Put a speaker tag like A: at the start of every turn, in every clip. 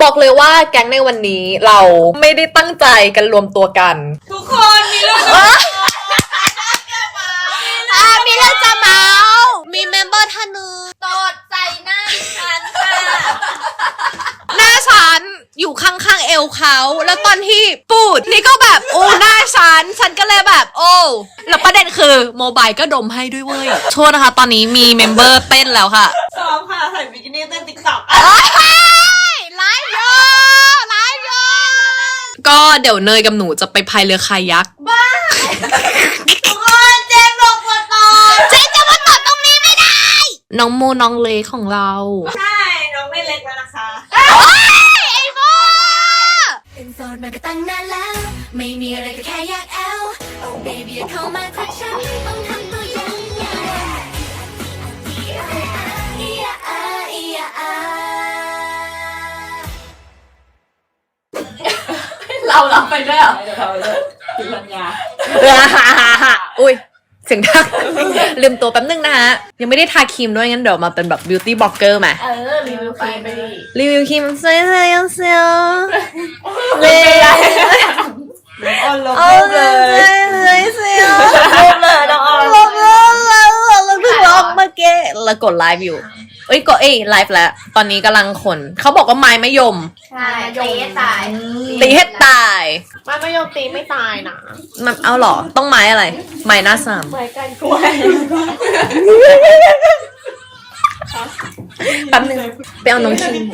A: บอกเลยว่าแก๊งในวันนี้เราไม่ได้ตั้งใจกันรวมตัวกัน
B: ทุกคนมีเรื่อง
A: มีเรื่องจะเมามีเมมเบอร์ท่านนึง
B: ตอดใจหน้าฉันค่ะ
A: หน้าฉันอยู่ข้างๆเอวเขาแล้วตอนที่ปูดนี่ก็แบบโอ้หน้าฉันก็เลยแบบโอ้แล้วประเด็นคือโมบายก็ดมให้ด้วยเว้ยโทษนะคะตอนนี้มีเมมเบอร์เต้นแล้วค่ะ
B: ซ้อมค่ะใส่บิกินี่เต้นติ๊กต็อก
A: ไลฟ์โยก็เดี๋ยวเนยกับหนูจะไปพายเรือคายัก
B: บ้าทุกคนเจมบอกว่าตอด
A: เจ๊จะมาตอดตรงนี้ไม่ได้น้องโมน้องเล็กของเรา
B: ใช่น้องไม่เล็กแล้วนะคะ
A: ไอ้โม
C: เป็นโสดมาก็ตั้งนานแล้วไม่มีอะไรก็แค่อยากแอล Oh baby อย่าเข้ามาทักฉันต้องทำตัวยังไง
B: เราไปด้วยเหรอเราเลยกินปัญญา
A: อุ้ยเสียงดังลืมตัวแป๊บนึงนะฮะยังไม่ได้ทาครีมด้วยงั้นเดี๋ยวมาเป็นแบบ beauty blogger มา
B: รีวิวครีมไปดิ
A: รีวิวครีมเซียวเเลย
B: ลบเลย
A: เซียว
B: ลบเลยน้อง
A: ลบเพิ่งลบเมื่อกี้แล้วกดไลฟ์อยู่ก็ไลฟ์แล้วตอนนี้กำลังขนเขาบอกว่าไม้มะยม
B: ใช่ตีให้ตาย
A: ไ
B: ม้มะยมตีไม่ตายนะ
A: มันเอาหรอต้องไม้อะไรไม้หน้าสาม
B: ไม้กันกล้วย
A: แป๊บนึงไปเอาน้องคิม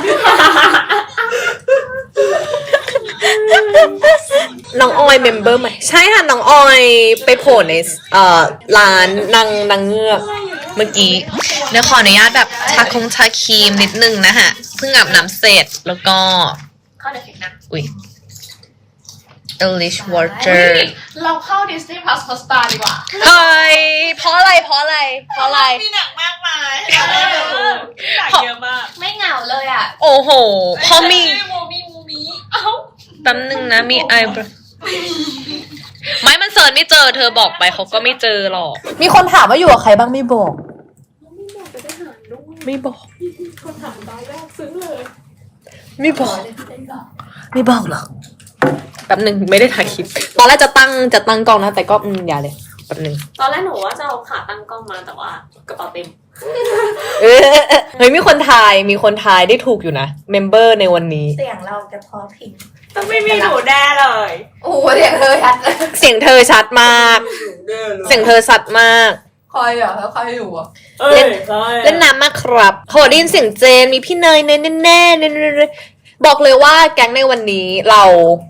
A: น้องออยเมมเบอร์ใหม่ใช่ค่ะน้องออยไปโผล่ในร้านนางเงือกเมื่อกี้เดี๋ยวขออนุญาตแบบทาครีมนิดนึงนะฮะเพิ่งอาบน้ำเสร็จแล้วก็
B: เข้าเด็กนะ
A: อุ้ย English Water
B: เราเข้า Disney Plus Hotstar ดีกว่า
A: เฮ้ยเพราะอะไร
B: มีหนังมากมายหนังเยอะมากไม่เหงาเลยอ่ะ
A: โอ้โหพอมี
B: มูมีเอ้า
A: แป๊บนึงนะมีไอไม่มันเสิร์ชไม่เจอเธอบอกไปเขาก็ไม่เจอหรอกมีคนถามว่าอยู่กับใครบ้างไม่บอกไม่บอก
B: คนถามตอนแรกซึ้งเลย
A: ไม่บอกหรอกแป๊บนึงไม่ได้ถ่ายคลิปตอนแรกจะตั้งกล้องนะแต่ก็อย่าเลยแป๊บนึง
B: ตอนแรกหนูว่าจะเอาขาตั้งกล้องมาแต่ว่ากระเป๋าเต็ม
A: เฮ้ยมีคนทายได้ถูกอยู่นะเมมเบอร์ในวันนี้
B: เสียงเราจะพอพิงต้องไม่มีหนูแน่เลย
A: โอ้เสียงเธอชัดมากเสียงเธอชัดมาก
B: ใครอ่ะแล้วใครอยู่อ่ะ
A: เล่นน้ำมากครับขอได้ยินเสียงเจนมีพี่เนยแน่บอกเลยว่าแก๊งในวันนี้เรา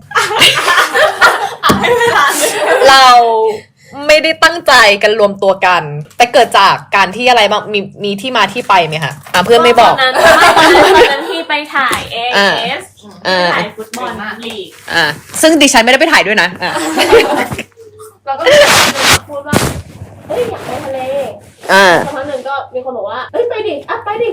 A: ไม่ได้ตั้งใจกันรวมตัวกันแต่เกิดจากการที่อะไรบ้างมีที่มาที่ไปไหมคะเพื่อนไม่บอก
B: ตอนนั้นที่ไปถ่าย AS ถ่ายฟุตบอลลีก
A: ซึ่งดิฉันไม่ได้ไปถ่ายด้วยนะ
B: เราก็พูดว่าเฮ้ยอยากไปทะเลสักพักหนึ่งก็มีคนบอกว่าเฮ้ยไปดิ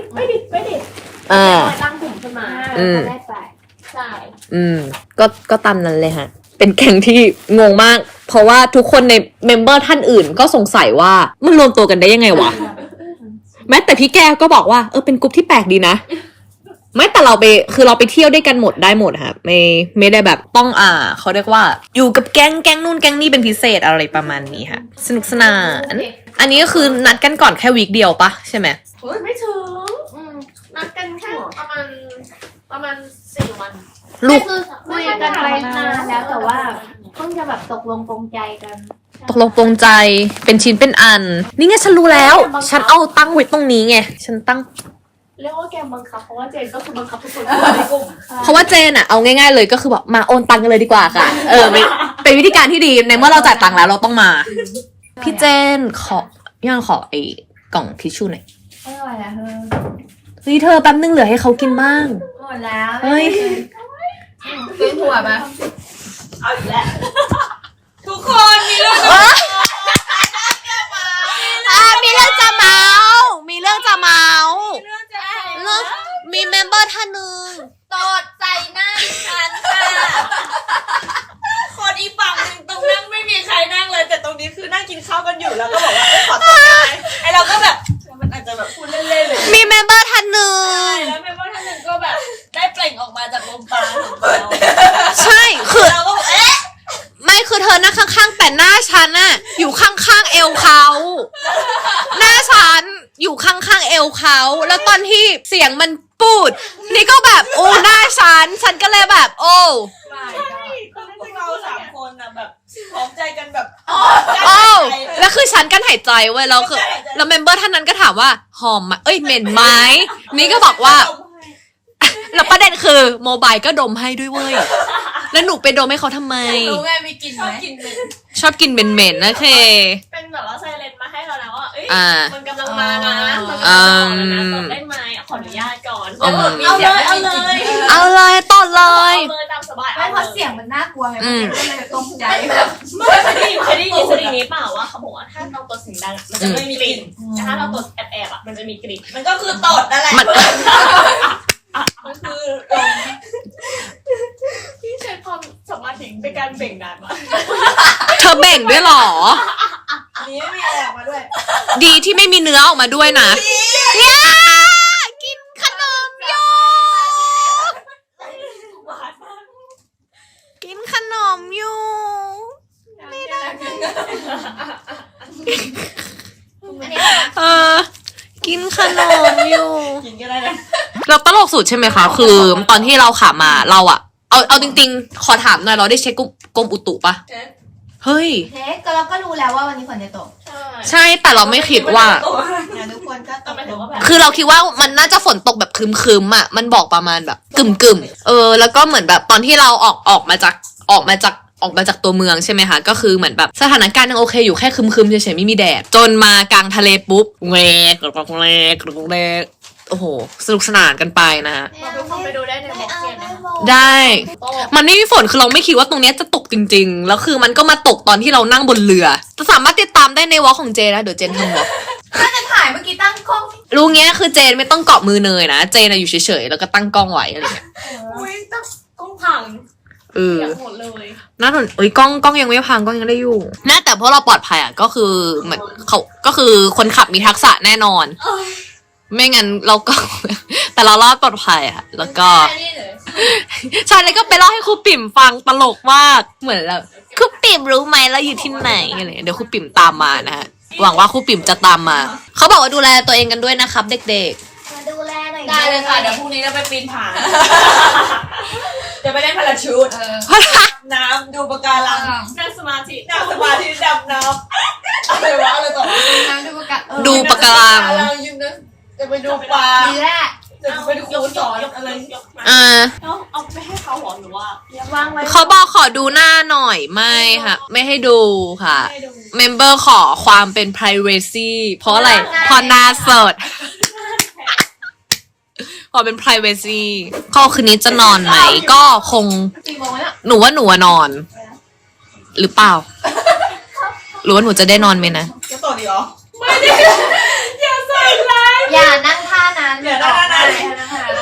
B: ตั้งกลุ่มขึ้นมาแรกไปใช่
A: ก็ตามนั้นเลยฮะเป็นแก๊งที่งงมากเพราะว่าทุกคนในเมมเบอร์ท่านอื่นก็สงสัยว่ามันรวมตัวกันได้ยังไงวะแม้แต่พี่แก้วก็บอกว่าเป็นกลุ่มที่แปลกดีนะไม่แต่เราไปเที่ยวด้วยกันได้หมดค่ะไม่ได้แบบต้องเขาเรียกว่าอยู่กับแก๊งนู่นแก๊งนี่เป็นพิเศษอะไรประมาณนี้ค่ะสนุกสนานอันนี้ก็คือนัดกันก่อนแค่วีคเดียวปะใช่ไหม
B: ไม่ถึงนัดกันแค่ประมาณ4 วัน
A: ลูก
B: คุยกันไปนานแล้วแต่ว่าเพิ่งจะแบบตกลงปรงใจกัน
A: เป็นชิ้นเป็นอันนี่ไงฉันรู้แล้วฉันเอาตั้งไว้ตรงนี้ไงฉันตั้ง
B: เรียกว่าแกบังคับเพราะว่าเจนก็คือบังคับทุกคนในกลุ่ม
A: เพราะว่าเจนเอาง่ายๆเลยก็คือแบบมาโอนตังกันเลยดีกว่าค่ะเป็นวิธีการที่ดีในเมื่อเราจ่ายตังค์แล้วเราต้องมาพี่เจนขอไอ้กล่องทิชชู่หน่อย
B: ไม่ไหวแล้ว
A: เฮ้ยเธอแป๊บนึงเหลือให้เขากินบ้าง
B: หมดแล้ว
A: เฮ้ย
B: กินหัวมาเอาอีกแล้วทุกคนมีเรื่องจะ
A: เมามีเมมเบอร์ท่านนึง
B: ตอดใจหน้าฉันค่ะคนอีฝั่งนึงตรงนั่งไม่มีใครนั่งเลยแต่ตรงนี้คือนั่งกินข้าวกันอยู่แล้วก็บอกว่าขอโทษได้ไอเราก็แบบมันอาจจะแบบพูดเล่นๆเลย
A: มีเมมเบอร์ท่านนึง
B: ใช่แล้วเมมเบอร์ท่านนึงก็แบบได้เปล่งออกมา
D: มาจากลมปราณของเรา
A: ใช่คือ
D: เราก็เอ๊ะ
A: ไม่คือเธอนั่งข้างๆแต่หน้าฉันน่ะอยู่ข้างๆเอวเขาหน้าฉันอยู่ข้างๆเอวเขาแล้วตอนที่เสียงมันปูดนี่ก็แบบโอ้หน้าฉันก็เลยแบบโอ้
D: ตอนนั้นพวกเรา3 คนน่ะแบบพร้อมใจกันแบบ
A: โอ้แล้วคือฉันกันหายใจเว้ยแล้วคือแล้วเมมเบอร์ท่านนั้นก็ถามว่าหอมไหมเอ้ยเหม็นไหมนี่ก็บอกว่าแล้วประเด็นคือโมบายก็ดมให้ด้วยเว้ยแล้วหนูไปดมให้เขาทำไม
D: รู้ไงมีกลิ่นไหมกินเป็น
A: ชอบกินเหม็นๆนะเค
B: เป็นแบบว่าไซเรนมาให้เราแล้วว่าเอ้ย
A: อ่า
B: มันกำลังมานะมันกำลังมาแล้วนะตดได้ไหมขออนุญาตก่อน
A: อืม
B: เอาเลย
A: เอาเลยต่อเลย
B: เอาเลยตามสบาย
E: ไม่เพราะเสียงมันน่ากลัวไงมันก็เลยตกใจแบบ
B: ไม่เคยได้ยินสถิตินี้เปล่าว่าเขาบอกว่าถ้าเราตดเสียงดังมันจะไม่มีกลิ่นแต่ถ้าเราตดแอบๆมันจะมีกลิ่น
D: มันก็คือตดนั่นแหละ
A: มัน
D: มันคือ
B: พี่ใช้ความสมาธิในการเบ่งนานมาก
A: เธอเบ่งด้วยเหรอ
D: อันนี้ไม่มีอะไรออกมาด้วย
A: ดีที่ไม่มีเนื้อออกมาด้วยนะเนี่ยกินขนมอยู่กินขนมอยู่
B: ไม่ได้
A: เออ กินขนมอยู่
D: กินก็ได้นะ
A: เราตลกสุดใช่ไหมคะ คือตอนที่เราขามาเราอะเอาจริงๆ ขอถามหน่อยเราได้เช็คกรมอุตุปะเฮ้ย
E: เทคก็เราก็รู้แล้วว่าวันนี้ฝนจะตก
A: ใช่แต่เราไม่คิดว่า
E: นะทุกคนก็ต
B: ต้อง
E: ก
B: ไปถึงว่าแบบ
A: คือเราคิดว่ามันน่าจะฝนตกแบบครึมๆอ่ะ มันบอกประมาณแบบกึ่มแล้วก็เหมือนแบบตอนที่เราออกมาจากตัวเมืองใช่ไหมคะ ก็คือเหมือนแบบสถานการณ์ยังโอเคอยู่แค่ครึมๆเฉยๆไม่มีแดด จนมากลางทะเลปุ๊บแหวกโอ้โหสนุกสนานกันไปนะฮะ
B: เราทุกคนไปดูได้ในบล็อกเซียนนะคะ
A: ได้
B: โต้
A: มันไม่มีฝนคือเราไม่คิดว่าตรงเนี้ยจะตกจริงๆ แล้วคือมันก็มาตกตอนที่เรานั่งบนเรือจะสามารถติดตามได้ในวอล์กของเจนะเดี๋ยวเจนทำวอล์ก
E: น่าจะถ่ายเมื่อกี้ตั้งกล้อง
A: รู้เงี้ยคือเจนไม่ต้องเกาะมือเนยนะ เจนอะอยู่เฉยๆแล้วก็ตั้งกล้องไว้อะไรเงี้ย
B: อุ้ยต้องพัง
A: เออ
B: อยากหมดเลย
A: น่าสนกล้องยังไม่พังกล้องยังได้อยู่น่าแต่เพราะเราปลอดภัยอ่ะก็คือเหมือนเขาก็คือคนขับมีทักษะแน่นอน ไม่งั้นเราก็ แต่เรารอดปลอดภัยอ่ะ แล้วก็
B: นี่เลย
A: ใช่แล้วก็ไปเล่าให้ครูปิ่มฟังตลกมากเหมือนแบบครูปิ่มรู้ไหมเราอยู่ที่ไหนอะไรเดี๋ยวครูปิ่มตามมานะฮะหวังว่าครูปิ่มจะตามมาเขาบอกว่าดูแลตัวเองกันด้วยนะครับ เด็ก
E: มาดูแลหน่อย
D: ได้เลยค่ะ เดี๋ยวพรุ่งนี้เราไปปีนผาจะไปเล่นพาราชูท
A: ๆ
D: น้ำดูปะการัง
B: นั่งสมาธิ
D: นั่งสมาธิดำน้ำอะไรวะอะไรต่อ
E: น้ำดูประกาศ
A: ดูปะการัง
D: ยืมนะจะไปดูปลา
E: ดีแรก
D: จะไปดูครูสอนอะไร
B: เอาไปให้เขาหรอหรือว่าวางไว้
A: เขาบอกขอดูหน้าหน่อยไม่ค่ะ ไม่ให้ดูค่ะ
B: ให้ดู
A: เมมเบอร์ขอความเป็น privacy เพราะอะไรเพราะหน้าสดขอเป็น privacy ก็คืนนี้จะนอนไหนก็คง
E: กี่โมงแล้ว
A: หนูว่าหนูอะนอน หรือเปล่า หรือว่าหนูจะได้นอนไหมนะ
D: จะต่อดีเหรอ
B: อย่าใส่ร้าย
E: อย่านั่งท่านั้น
D: อย่านั่งท่านั้น
E: นั่งท่านั้น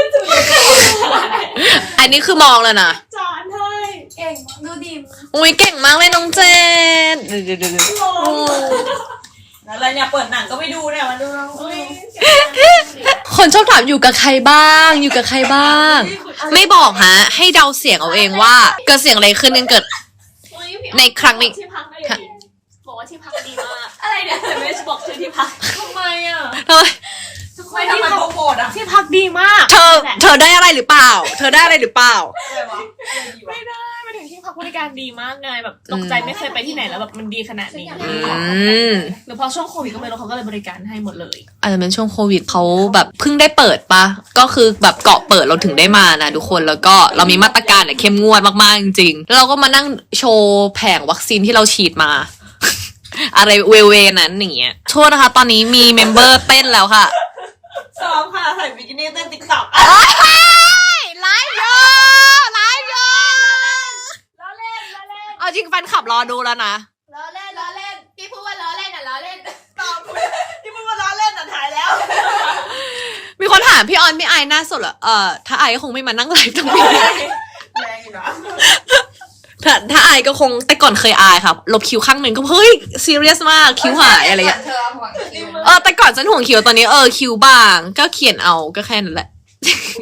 A: อันนี้คือมองเลยนะ
B: จานให้
E: เก่งดูดี
A: อุ้ยเก่งมากเลยน้องเจน
B: โอ้
D: อะไรเนี่ยเปิดหนังก็ไปดูเนี่ยมาดูเรา
B: ย
A: คนชอบถามอยู่กับใครบ้าง อยู่กับใครบ้าง ไม่บอกฮะ ให้เดาเสียงเอาเองว่าเกิดเสียงอะไรขึ้นกันเกิด ในครั้งนี้
B: ที่พักได้ดีบอกว่าที่พักดีมากอะไรเนี่ยแต่ไม่ได้บอกชื่อที่พักทำไมอ่ะ
A: ทำไม
D: ไม่ทำไมโปรโมทอ่ะ
B: ที่พักดีมาก
A: เธอได้อะไรหรือเปล่า เธอได้อะไรหรือเปล่า
D: อะไรวะอะไรดีวะ
B: ไม่ได้มาถึงที่พักบริการดีมากไงแบบตกใจไม่เคยไปที่ไหนแล้วแบบมันดีขนาดนี้
A: ม
B: หรือพอช่วงโควิดก็ไม่รู้เขาก็เลยบริการให้หมดเลย
A: อาจจะเป็นช่วงโควิดเขาแบบเพิ่งได้เปิดปะก็คือแบบเกาะเปิดเราถึงได้มานะทุกคนแล้วก็เรามีมาตรการเนี่ยเข้มงวดมากๆจริงๆแล้วเราก็มานั่งโชว์แผงวัคซีนที่เราฉีดมา อะไรเวนั้นอย่างเงี้ยโทษนะคะ ตอนนี้มีเมมเบอร์เต้นแล้วค่ะ
D: ซ้อมค่ะใส่บิกินี่เต้นติ๊กต็อก
A: ไลฟ์โยไลฟ์โย
E: ล้อเล่นล้อเล่น
A: เอาจริงแฟนคลับรอดูแล้วนะ
E: ล้อเล่นล้อเล่นพี่พูดว่าล้อเล่นอ่ะล้อเล่น
D: ตอบที่พูดว่าล้อเล่นอ่ะถ่ายแล้ว
A: มีคนถามพี่ออนไม่อายหน้าสดเหรอถ้าอายก็คงไม่มานั่งไลฟ์ตรงนี้
D: แรงอยู่นะ
A: ถ้าอายก็คงแต่ก่อนเคยอายครับลบคิ้วข้างหนึ่งก็เฮ้ยซีเรียสมากคิ้วหายอะไรอย่างเงี้ย
E: เธอห่วงคิว
A: แต่ก่อนฉันห่วงคิ้วตอนนี้คิ้วบางก็เขียนเอาก็แค่นั้นแหละ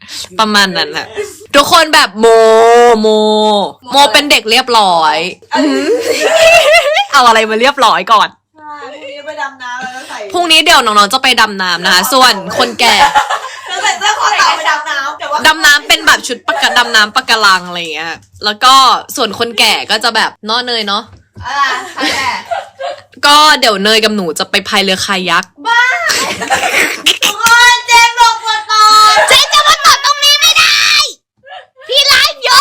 A: ประมาณนั้นค่ะทุกคนแบบโมเป็นเด็กเรียบร้อยเอาอะไรมาเรียบร้อยก่อน
D: ใช่พรุ่งนี้ไปดำน้ำแล้วใส่
A: พรุ่งนี้เดี๋ยวน้องๆจะไปดำน้ำนะคะส่วนคนแก่
D: แล้วใส่เสื้อคอเต่าไปดำน้ำแต่ว่า
A: ดำน้ำเป็นแบบชุดดำน้ำปะการังอะไรอย่างเงี้ยแล้วก็ส่วนคนแก่ก็จะแบบเนาะเนยเนาะ
E: ใครแหละ
A: ก็เดี๋ยวเนยกับหนูจะไปพายเรือคายัก
E: ทุกคนเจนบอกปวดตอน
A: เจ๊จะมาตดตรงนี้ไม่ได้ พี่ไลฟ์อยู่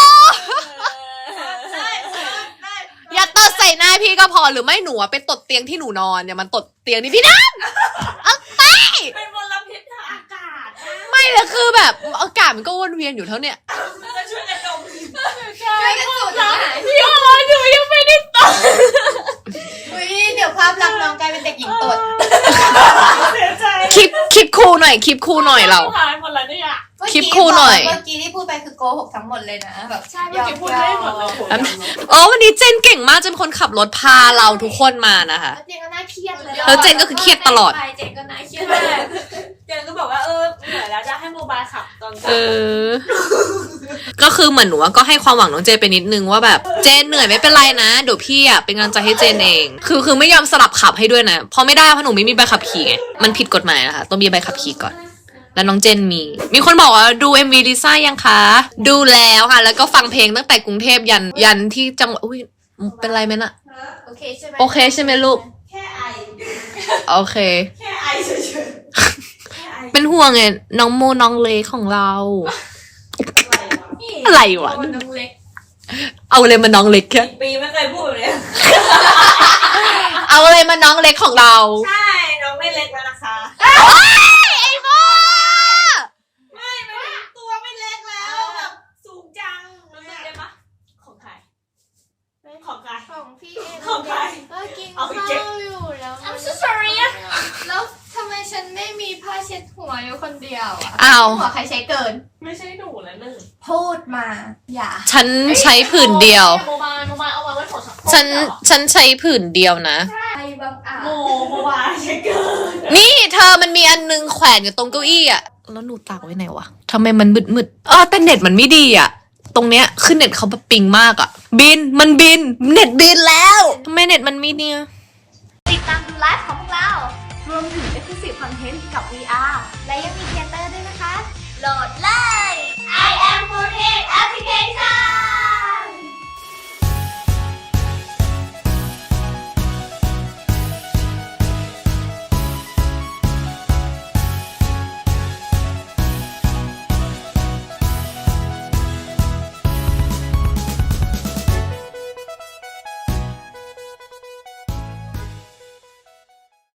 A: อย่าตดใส่หน้าพี่ก็พอหรือไม่หนูอะไปตดเตียงที่หนูนอนเนี่ยมันตดเตียงนี่พี่น้ำเอาไป
D: เป็นมลพิษทางอากาศ
A: ไม่เลยคือแบบอากาศมันก็วนเวียนอยู่เท่าเนี้ย
D: จะช่วยกันดม
E: ช่วยกันสูดนะ
A: พี่อ๋อหนูยังไม่ได้ตด
E: อุ้ยเดี๋ยวภาพลักษณ์น้องกลายเป็นเด็กหญิงตด
D: เสียใจ
A: คลิปคู่หน่อยคลิปคู่หน่อยเรา
D: หายหมดแล้วเนี่ย
A: คลิปคู่หน่อย
E: เมื่อกี้ที่พูดไปคือโกหกทั้งหมดเลยนะแบบ
D: ใช่เมื่อกี้พูดได้หมดเลย
A: อ๋อวันนี้เจนเก่งมากเจนเป็นคนขับรถพาเราทุกคนมานะคะ
E: เจนก็น่าเครียดเลย
A: แล้วเจนก็คือเครียดตลอด
E: เจนก็น่าเครียด
D: ใช่เจนก็บอกว่าเหนื่อยแล้วจะให้โมบายขับตอนกลาง
A: ก็คือเหมือนหนูก็ให้ความหวังน้องเจนไปนิดนึงว่าแบบเจนเหนื่อยไม่เป็นไรนะเดี๋ยวพี่อ่ะเป็นกำลังใจให้เจนเอง คือไม่ยอมสลับขับให้ด้วยนะเพราะไม่ได้เพราะหนูไม่มีใบขับขี่ไงมันผิดกฎหมายนะคะต้องมีใบขับขี่ก่อนแล้วน้องเจนมีคนบอกว่าดู MV ลิซ่ายังคะดูแล้วค่ะแล้วก็ฟังเพลงตั้งแต่กรุงเทพยันที่จังหวัดอุ้ยเป็นไรไหมน่ะ
E: โอเคใช่ไหม
A: โอเคใช่ไหมลูก
D: แค่ไอ
A: โอเค
D: แค่ไอเฉยๆแค่ไอ
A: เป็นห่วงไงน้องโมน้องเล็กของเรา อะไรวะ
B: มันน้องเล็ก
A: เอาเลยมาน้องเล็กแค่
D: ปีไม่เคยพูดเลย
A: เอาเลยมาน้องเล็กของเรา
D: ใช่น้องไม่เล็กแล้วนะคะ
A: ไอ้โม
D: ไม่ตัวไม่เล็กแล้วแบบสูงจังได้ปะของใครของใคร
E: ของพี่เอง
D: ของใคร
E: ก็กิน
D: เอา
E: ข้า
D: ไปเก็บ
E: วอยู่แล้ว
B: I'm so sorry อะ
E: แล้วทำไมฉันไม่มีผ้าเช็ดหัวอยู่คนเดียวอ่ะ
A: อ้าว
E: หัวใครใช้เกิน
D: ไม่ใช่หนูแล้วหนึ่ง
E: พูดมา อย่า
A: ฉันใช้ผืนเดียว
B: โมบายเอาไว้ของ
A: ฉันใช้ผืนเดียวนะ
E: ใครบังอาจ
D: โมบายใช่เกิน
A: นี่เธอมันมีอันนึงแขวนอยู่ตรงเก้าอี้อะแล้วหนูตากไว้ไหนวะทำไมมันมืดแต่เน็ตมันไม่ดีอะตรงเนี้ยคือเน็ตเขาแบบปิงมากอะมันบินเน็ตบินแล้วทำไมเน็ตมันไม่เนี่ย
C: ติดตามดูไลฟ์ของพวกเรา รวมถึง Exclusive Content กับ VR และยังมีเทเตอร์ด้วยนะคะ โหลดเลย I